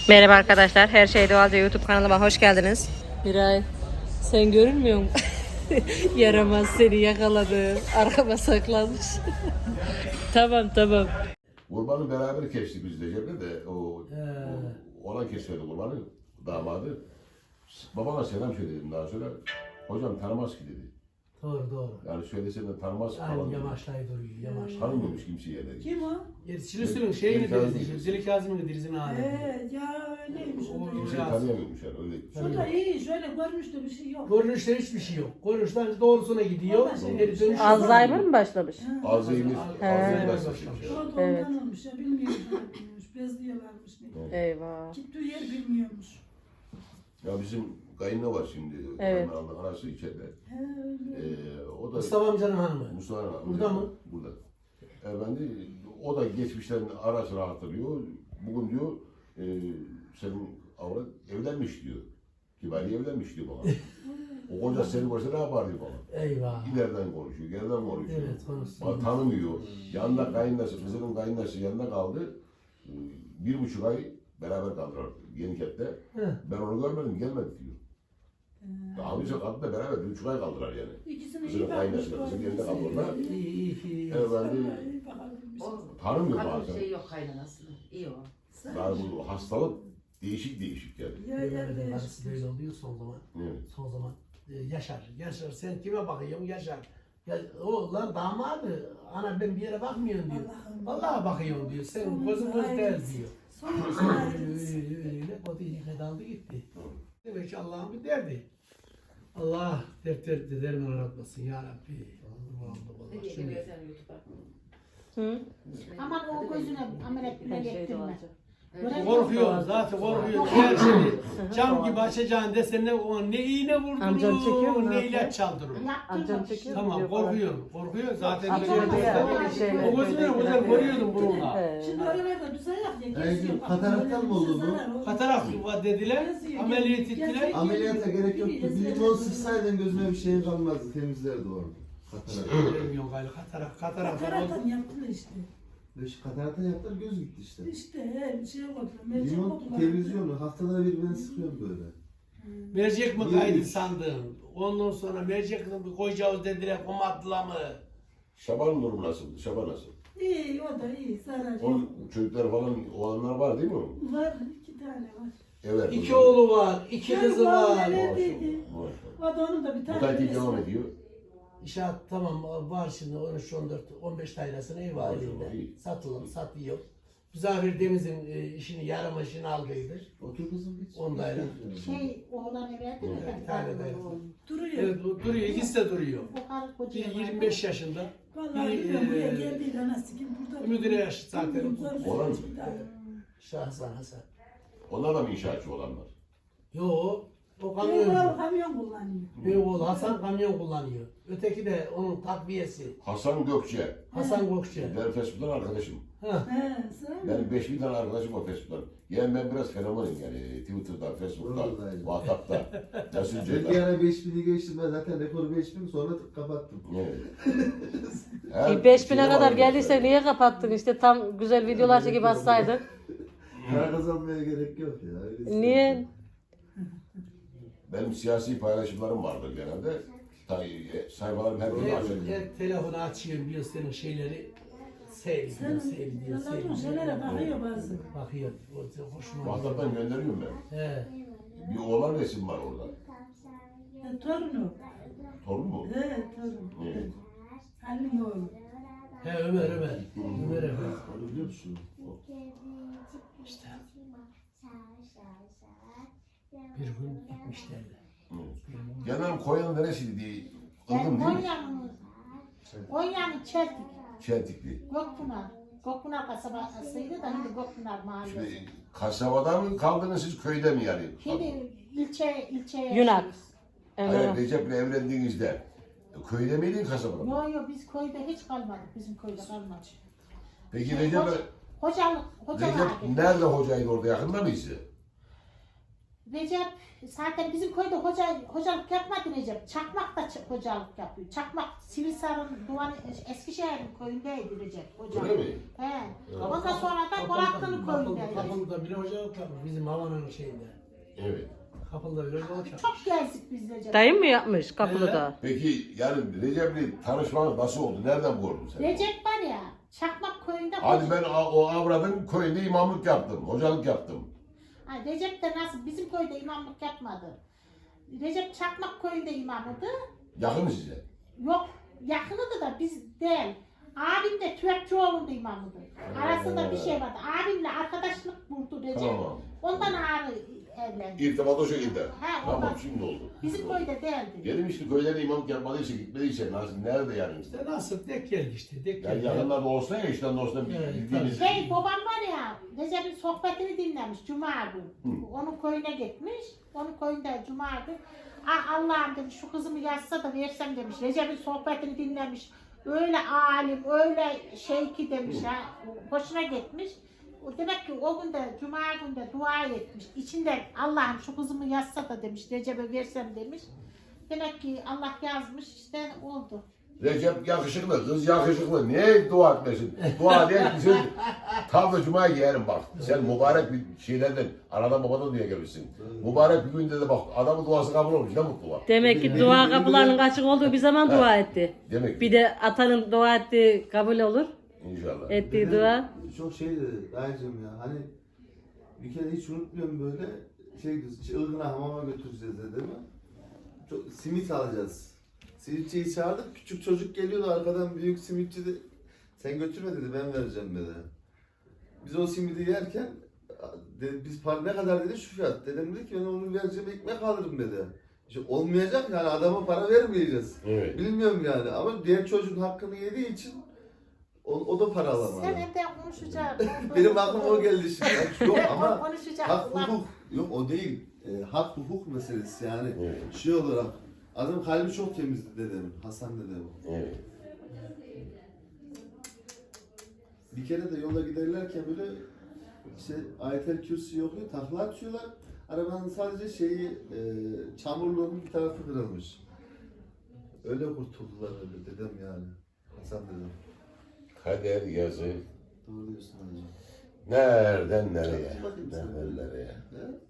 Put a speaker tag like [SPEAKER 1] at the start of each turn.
[SPEAKER 1] Merhaba arkadaşlar, Her Şey Doğalca YouTube kanalıma hoş geldiniz. Miray, sen görünmüyor musun? Yaramaz seni yakaladı, arkama saklanmış. Tamam.
[SPEAKER 2] Kurbanı beraber kestik biz Recep'le de o olan kesmedi kurbanı, damadı. Babana selam söyledim daha sonra. Hocam tanımaz ki dedi.
[SPEAKER 3] Doğru.
[SPEAKER 2] Yani söylesem de tanımaz falan.
[SPEAKER 3] Aynen
[SPEAKER 2] dedi.
[SPEAKER 3] yamaçlayı duruyor, yamaçlayı.
[SPEAKER 2] Tanımıyormuş kimse yerleri.
[SPEAKER 4] Kim o?
[SPEAKER 3] Yetişilisinin şeyini deriz, Zeli Kazım'ın dirizini aldı.
[SPEAKER 4] Ya öyleymiş. O da.
[SPEAKER 2] Kimseyi tanıyamıyormuş yani öyle.
[SPEAKER 4] O da iyi, şöyle görmüştü bir şey yok.
[SPEAKER 3] Görünüşte hiçbir şey yok. Görünüşten doğrusuna gidiyor. Geri dönüş.
[SPEAKER 1] Alzheimer mı başlamış?
[SPEAKER 2] Alzheimer başlamış.
[SPEAKER 4] O da
[SPEAKER 1] Evet.
[SPEAKER 4] ondan olmuş ya, bilmiyormuş. Bezliyorlarmış ne.
[SPEAKER 1] Eyvah.
[SPEAKER 4] Gittiği yer bilmiyormuş.
[SPEAKER 2] Ya bizim kayınla var şimdi.
[SPEAKER 1] Evet.
[SPEAKER 2] Kayınla anası içeride.
[SPEAKER 4] He öyle.
[SPEAKER 2] O da
[SPEAKER 3] Mustafa amcanın hanımı.
[SPEAKER 2] Mustafa amca.
[SPEAKER 3] Burada mı?
[SPEAKER 2] Burada. Efendi o da geçmişten ara sıra hatırlıyor. Bugün diyor senin avrat evlenmiş diyor. Kibari evlenmiş diyor bana. O koca senin başına ne yapar diyor bana.
[SPEAKER 3] Eyvah.
[SPEAKER 2] İleriden konuşuyor, geriden konuşuyor.
[SPEAKER 3] Evet, konuşsun.
[SPEAKER 2] Bana tanımıyor. Yanında kayınlaşı, kızının kayınlaşı yanında kaldı. 1,5 ay beraber kaldılar Yeniket'te. Ben onu görmedim, gelmedi diyor. Daha önce kadınla beraber 1,5 ay kaldılar yani.
[SPEAKER 4] İkisini
[SPEAKER 2] Kızının
[SPEAKER 4] iyi bakmış.
[SPEAKER 2] kayınlaşı, kızın yerinde kaldılar.
[SPEAKER 3] İyi.
[SPEAKER 2] Efendi
[SPEAKER 4] İyi bakabilmiş.
[SPEAKER 2] tanımıyor
[SPEAKER 5] Kadın
[SPEAKER 2] bazen.
[SPEAKER 5] şey yok kaynanasının. İyi o.
[SPEAKER 2] Yani bu hastalık değişik yani.
[SPEAKER 4] Ya
[SPEAKER 3] Öyle karısı böyle oluyor son zaman.
[SPEAKER 2] Evet.
[SPEAKER 3] Son zaman Yaşar. Sen kime bakıyorsun? Yaşar. Ya, o lan damadı. Ana ben bir yere bakmıyorum diyor. Vallahi bakıyorum diyor. Sen gözün göz değil diyor.
[SPEAKER 4] Sonrasında
[SPEAKER 3] Öyle o da daldı gitti. Demek ki Allah'ın bir derdi. Allah dertlerini aratmasın ya Rabbi. Allah. Şimdi
[SPEAKER 1] Hı?
[SPEAKER 6] Aman o gözüne ameliyat bile
[SPEAKER 1] Her Şey
[SPEAKER 6] getirme.
[SPEAKER 1] Doğalca.
[SPEAKER 3] korkuyor zaten korkuyor. Her şeyi cam gibi açacağın desen ne iğne
[SPEAKER 1] Amcam çekiyor mu?
[SPEAKER 3] vurdurur,
[SPEAKER 1] Ne
[SPEAKER 3] ne
[SPEAKER 1] yapıyor?
[SPEAKER 3] ilaç çaldırır.
[SPEAKER 1] Amcam çekiyor mu?
[SPEAKER 3] Tamam
[SPEAKER 1] Diyor falan.
[SPEAKER 3] korkuyor zaten.
[SPEAKER 1] Atıyordu ya, öyle şeyler.
[SPEAKER 3] O gözüne güzel görüyordum bununla.
[SPEAKER 4] şimdi oralarda düzen yok ya. geziyor. Bak,
[SPEAKER 7] kataraktan mı oldu bu?
[SPEAKER 4] zarar oldu.
[SPEAKER 3] Katarak var dediler, ameliyat ettiler.
[SPEAKER 7] Ameliyata gerek yoktu. Bir limon sıksaydın gözüme bir şey kalmazdı. Temizlerdi orada. Katarak.
[SPEAKER 3] Bilmiyorum galiba katarak
[SPEAKER 4] Kataraktan yaptılar işte.
[SPEAKER 7] Kataraktan yaptılar göz gitti işte.
[SPEAKER 4] İşte bir şey oldu. Mercek
[SPEAKER 7] Limon
[SPEAKER 4] oldular.
[SPEAKER 7] televizyonu haftada bir ben sıkıyorum böyle.
[SPEAKER 3] Mercek mi kaydı
[SPEAKER 7] Yemiş.
[SPEAKER 3] sandım. Ondan sonra mercek mi koyacağız dediler, komatla mı?
[SPEAKER 2] Şaban'ın durumu nasıldı? Şaban nasıl?
[SPEAKER 4] İyi o da iyi. Zarar yok.
[SPEAKER 2] Onun çocuklar falan olanlar var değil mi?
[SPEAKER 4] Var 2 tane var.
[SPEAKER 2] Evet.
[SPEAKER 3] İki oğlu var, iki kızı var.
[SPEAKER 4] Evliydi.
[SPEAKER 2] Maşallah.
[SPEAKER 4] O da onun da bir
[SPEAKER 2] Bu
[SPEAKER 4] tane.
[SPEAKER 2] takip
[SPEAKER 4] birisi
[SPEAKER 2] devam
[SPEAKER 4] var.
[SPEAKER 2] ediyor.
[SPEAKER 3] İnşaat tamam var şimdi 13, 14, 15 dairesine ev var
[SPEAKER 2] Maşallah,
[SPEAKER 3] elinde.
[SPEAKER 2] iyi.
[SPEAKER 3] Satıyor. Müzafir Deniz'in işini yarım işini aldıydı.
[SPEAKER 7] Otur kızım hiç.
[SPEAKER 3] 10 daire.
[SPEAKER 6] Şey oğlan evlendi mi?
[SPEAKER 3] Bir tane daire.
[SPEAKER 4] Duruyor.
[SPEAKER 3] Evet duruyor, ikisi de duruyor.
[SPEAKER 6] O karı koca
[SPEAKER 3] Bir
[SPEAKER 6] var.
[SPEAKER 3] 25 yaşında.
[SPEAKER 4] Vallahi bilmiyorum buraya geldiğinde anası kim burada.
[SPEAKER 3] Müdüre yaşı zaten.
[SPEAKER 2] Olan mı?
[SPEAKER 3] Şahsan Hasan.
[SPEAKER 2] Onlar da mı inşaatçı olanlar?
[SPEAKER 3] Yo, o
[SPEAKER 4] Yok
[SPEAKER 3] kamyoncu.
[SPEAKER 4] kamyon kullanıyor.
[SPEAKER 3] Büyük oğlu Hasan kamyon kullanıyor. Öteki de onun takviyesi.
[SPEAKER 2] Hasan Gökçe.
[SPEAKER 3] Hasan Gökçe.
[SPEAKER 2] Ben Facebook'tan arkadaşım.
[SPEAKER 3] Ha.
[SPEAKER 4] He sen mi?
[SPEAKER 2] Benim 5.000 tane arkadaşım var Facebook'tan. Yani ben biraz fenomenim yani Twitter'da, Facebook'ta,
[SPEAKER 7] Vallahi.
[SPEAKER 2] WhatsApp'ta,
[SPEAKER 7] Ben bir
[SPEAKER 2] Messenger'da.
[SPEAKER 7] ara 5000'i geçtim ben zaten rekoru 5000 sonra kapattım.
[SPEAKER 2] Evet. Her
[SPEAKER 1] 5000'e
[SPEAKER 2] şeye
[SPEAKER 1] kadar
[SPEAKER 2] var
[SPEAKER 1] geldiyse
[SPEAKER 2] mesela.
[SPEAKER 1] niye kapattın? İşte tam güzel videolar çekip atsaydın.
[SPEAKER 7] Para kazanmaya gerek yok ya. öyle
[SPEAKER 1] Niye?
[SPEAKER 2] Benim siyasi paylaşımlarım vardır genelde. Sayfalarım her gün açık.
[SPEAKER 3] Telefonu açıyorum diyor senin şeyleri.
[SPEAKER 4] Sen
[SPEAKER 3] Sevdiğin.
[SPEAKER 4] anladın şeylere bakıyor bazı.
[SPEAKER 3] Bakıyor. O hoşuma gidiyor.
[SPEAKER 2] WhatsApp'tan gönderiyorum ben.
[SPEAKER 3] He.
[SPEAKER 2] Bir oğlan resim var orada.
[SPEAKER 4] Torunu.
[SPEAKER 2] Torun mu?
[SPEAKER 4] He torun.
[SPEAKER 2] Evet.
[SPEAKER 4] Annem oğlu.
[SPEAKER 3] He Ömer. Ömer
[SPEAKER 7] Onu biliyor musun?
[SPEAKER 3] İşte. Bir gün gitmişlerdi.
[SPEAKER 2] Genel Konya'nın neresiydi diye.
[SPEAKER 6] Ben
[SPEAKER 2] Ilgın değil mi?
[SPEAKER 6] Konya'nın Çeltik,
[SPEAKER 2] Çeltikli.
[SPEAKER 6] Gökpınar. Gökpınar kasabasıydı da şimdi Gökpınar mahallesi.
[SPEAKER 2] Şimdi kasabada mı kaldınız siz köyde mi yani?
[SPEAKER 6] Şimdi ilçeye
[SPEAKER 1] Yunak.
[SPEAKER 2] Hayır
[SPEAKER 1] Evet.
[SPEAKER 2] Recep'le evlendiğinizde köyde miydin kasabada mı?
[SPEAKER 6] Yok biz köyde hiç kalmadık. Bizim köyde kalmadık.
[SPEAKER 2] Peki Recep'le
[SPEAKER 6] Hocalık
[SPEAKER 2] Recep nerede hocaydı orada yakında mıydı?
[SPEAKER 6] Recep zaten bizim köyde hocalık yapmadı Recep. Çakmak da hocalık yapıyor. Çakmak Sivisar'ın Eskişehir'in köyündeydi Recep hoca.
[SPEAKER 2] Öyle mi?
[SPEAKER 6] He. Ondan sonra da Koraklı'nın köyündeydi.
[SPEAKER 3] Kapılı'da bile hocalık yapmış bizim havanın şeyinde.
[SPEAKER 2] Evet.
[SPEAKER 3] Kapılı'da bile hocalık yapmış.
[SPEAKER 6] Çok gezdik biz Recep.
[SPEAKER 1] Dayım mı yapmış Kapılı'da?
[SPEAKER 2] Peki yani Recep'le tanışmanız nasıl oldu? Nereden gördün sen?
[SPEAKER 6] Recep var ya Çakmak köyünde
[SPEAKER 2] Hadi ben o avradın köyünde imamlık yaptım, hocalık yaptım.
[SPEAKER 6] Ha, Recep de nasıl bizim köyde imamlık yapmadı. Recep Çakmak köyünde imamıydı.
[SPEAKER 2] Yakın size.
[SPEAKER 6] Yok yakınıdı da biz değil. Abim de Tüvekçioğlu'nda imamıydı. Arasında bir şey vardı. Abimle arkadaşlık kurdu Recep.
[SPEAKER 2] Tamam.
[SPEAKER 6] Ondan ağrı evlendi.
[SPEAKER 2] İrtibat o şekilde.
[SPEAKER 6] Ha,
[SPEAKER 2] Tamam
[SPEAKER 6] ondan-
[SPEAKER 2] şimdi oldu.
[SPEAKER 6] Bizim köyde değildi.
[SPEAKER 2] Dedim işte köylere imamlık yapmadıysa gitmediyse nasıl, nerede yani?
[SPEAKER 3] İşte nasıl denk geldi işte. Denk
[SPEAKER 2] Yani
[SPEAKER 3] geldi.
[SPEAKER 2] yakınlarda olsa ya işten olsa
[SPEAKER 3] Evet,
[SPEAKER 2] bildiğiniz.
[SPEAKER 6] Şey babam var ya Recep'in sohbetini dinlemiş Cuma günü. Onun köyüne gitmiş. Onun köyünde Cuma günü. Ah Allah'ım demiş şu kızımı yazsa da versem demiş. Recep'in sohbetini dinlemiş. Öyle alim, öyle şeyki demiş ha. Hoşuna gitmiş. O demek ki o günde Cuma günde dua etmiş. İçinde Allah'ım şu kızımı yazsa da demiş. Recep'e versem demiş. Demek ki Allah yazmış işte oldu.
[SPEAKER 2] Recep yakışıklı, kız yakışıklı. Niye dua etmesin? Dua değil ki sen tam da cuma giyerim bak. Sen mübarek bir şeylerden, anadan babadan diye gelmişsin. Mübarek bir günde de bak adamın duası kabul olmuş. Ne mutlu var.
[SPEAKER 1] Demek ki dua kapılarının açık olduğu bir zaman dua etti.
[SPEAKER 2] Demek
[SPEAKER 1] Bir
[SPEAKER 2] ki.
[SPEAKER 1] de atanın dua ettiği kabul olur.
[SPEAKER 2] İnşallah.
[SPEAKER 1] Ettiği
[SPEAKER 7] Dedem
[SPEAKER 1] dua.
[SPEAKER 7] çok şey dedi dayıcım ya hani bir kere hiç unutmuyorum böyle şey Ilgın'a hamama götüreceğiz dedi mi? Çok, simit alacağız. Simitçiyi çağırdık küçük çocuk geliyordu arkadan büyük simitçi de sen götürme dedi ben vereceğim dedi. Biz o simidi yerken biz para ne kadar dedi şu fiyat. Dedem dedi ki ben onu vereceğim ekmek alırım dedi. İşte olmayacak yani adama para vermeyeceğiz.
[SPEAKER 2] Evet.
[SPEAKER 7] Bilmiyorum yani ama diğer çocuğun hakkını yediği için o da para alamadı.
[SPEAKER 6] Sen evde konuşacaksın.
[SPEAKER 7] Benim aklıma o geldi şimdi. Yok ama
[SPEAKER 6] konuşacak.
[SPEAKER 7] hak hukuk. Yok o değil. Hak hukuk meselesi yani.
[SPEAKER 2] Evet.
[SPEAKER 7] Şey olarak. Adam kalbi çok temizdi dedemin. Hasan dedemin.
[SPEAKER 2] Evet.
[SPEAKER 7] Bir kere de yola giderlerken böyle işte Ayetel Kürsi yok ya takla atıyorlar. Arabanın sadece çamurluğunun bir tarafı kırılmış. Öyle kurtuldular öyle dedem yani. Hasan dedem.
[SPEAKER 2] Kader yazı.
[SPEAKER 7] Doğru diyorsun hocam.
[SPEAKER 2] Nereden nereye?
[SPEAKER 7] Bakayım sen.
[SPEAKER 2] Nereden nereye?
[SPEAKER 7] He?